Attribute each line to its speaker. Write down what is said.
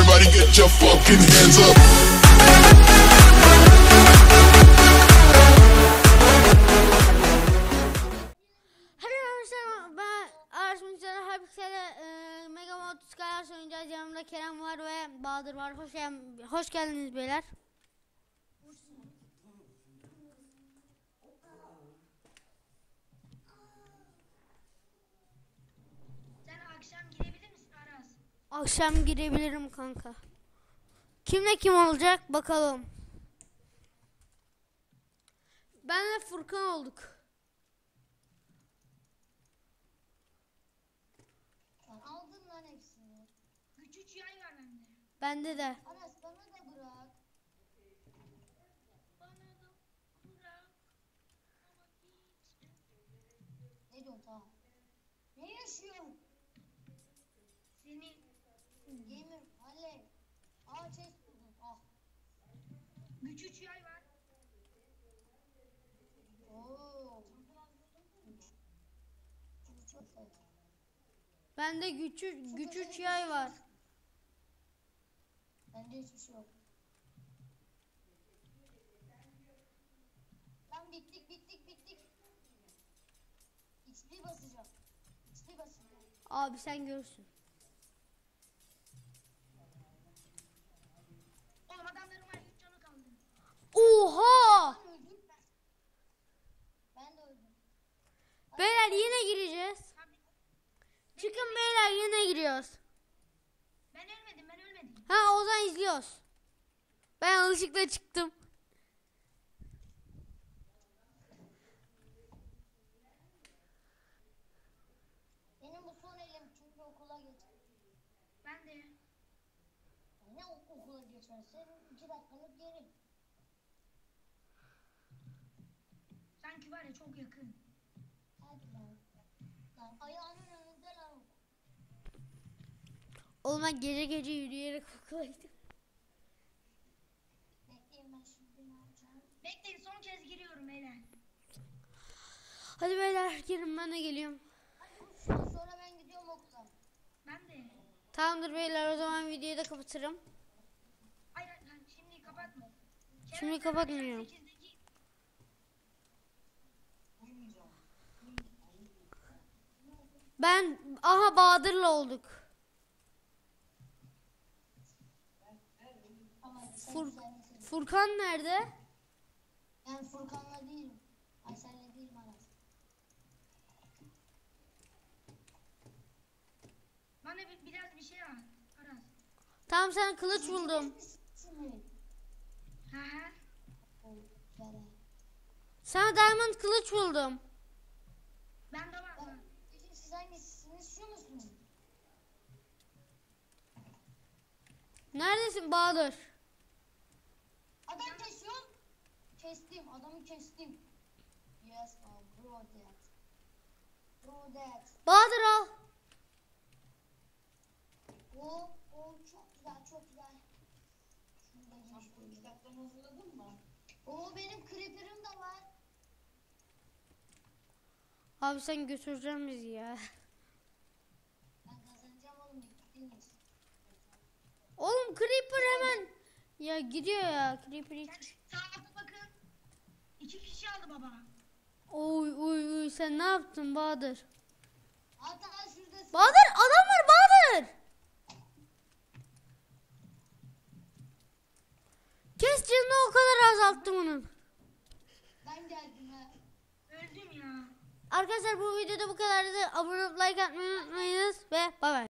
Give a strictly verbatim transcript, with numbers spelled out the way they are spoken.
Speaker 1: Everybody get your fucking hands up.
Speaker 2: Oynayacağız. Yanımda Kerem var ve Bahadır var. Hoş, hoş geldiniz beyler.
Speaker 3: Sen akşam girebilir misin Aras?
Speaker 2: Akşam girebilirim kanka. Kimle kim olacak bakalım. Benle Furkan olduk.
Speaker 3: Aldın lan hepsini. Güç üç yay var bende.
Speaker 2: Bende de.
Speaker 3: Aras bana da bırak. Bana da bırak. Ama hiç. Ne diyorsun tamam. Ne yaşıyorsun? Seni. Gamer Haley. Aa chest buldum. Ah. Güç üç yay var. Ooo.
Speaker 2: Bende güç güç üç yay var.
Speaker 3: Bende hiçbir şey yok. Lan bittik bittik bittik. X P basacağım. X P basacağım.
Speaker 2: Abi sen görürsün.
Speaker 3: Oğlum adamların var üç canı kaldı.
Speaker 2: Oha!
Speaker 3: Ben öldüm ben. Ben de öldüm.
Speaker 2: Beyler yine gireceğiz. Çıkın beyler yine giriyoruz.
Speaker 3: Ben ölmedim ben ölmedim.
Speaker 2: Ha o zaman izliyoruz. Ben yanlışlıkla çıktım.
Speaker 3: Benim bu son elim çünkü okula geçer. Ben de. Ne okula geçerse iki dakikalık geri. Sanki var ya çok yakın. Hadi lan. Lan ayağının önünde lan.
Speaker 2: Oğlum ben gece gece yürüyerek okula gittim.
Speaker 3: Bekleyin ben şimdi ne yapacağım? Bekleyin son kez giriyorum beyler.
Speaker 2: Hadi beyler girin ben de geliyorum.
Speaker 3: Hadi sonra ben gidiyorum okula. Ben de.
Speaker 2: Tamamdır beyler o zaman videoyu da kapatırım.
Speaker 3: Hayır hayır şimdi kapatma.
Speaker 2: Şimdi kapatmıyorum. Ben aha Bahadır'la olduk. Fur, Furkan nerede?
Speaker 3: Ben Furkan'la değilim. Aysel'le değilim Aras. Bana bir, biraz bir şey at Aras.
Speaker 2: Tamam sen kılıç buldum.
Speaker 3: Hı hı.
Speaker 2: Sana diamond kılıç buldum.
Speaker 3: Ben de var mı? Peki siz hangisiniz şu musunuz?
Speaker 2: Neredesin Bahadır?
Speaker 3: Adam kesiyorum. Kestim. Adamı kestim. Yes, oh, bro that. Bro that.
Speaker 2: Bahadır al.
Speaker 3: O, o çok güzel, çok güzel. Şunu da giymiş. Kitaplarını hazırladın mı? O benim creeper'ım da var.
Speaker 2: Abi sen götüreceğim bizi ya.
Speaker 3: Ben kazanacağım oğlum. Gittiniz.
Speaker 2: Oğlum Creeper hemen. Ya gidiyor ya Creeper hiç.
Speaker 3: Saate bakın. İki kişi aldı baba.
Speaker 2: Oy oy oy sen ne yaptın Bahadır?
Speaker 3: Hatta şurada.
Speaker 2: Bahadır adam var Bahadır. Kes canını o kadar azalttım onun.
Speaker 3: Ben geldim ha. Öldüm ya.
Speaker 2: Arkadaşlar bu videoda bu kadardı. Abone olup like atmayı unutmayınız ve bay bay.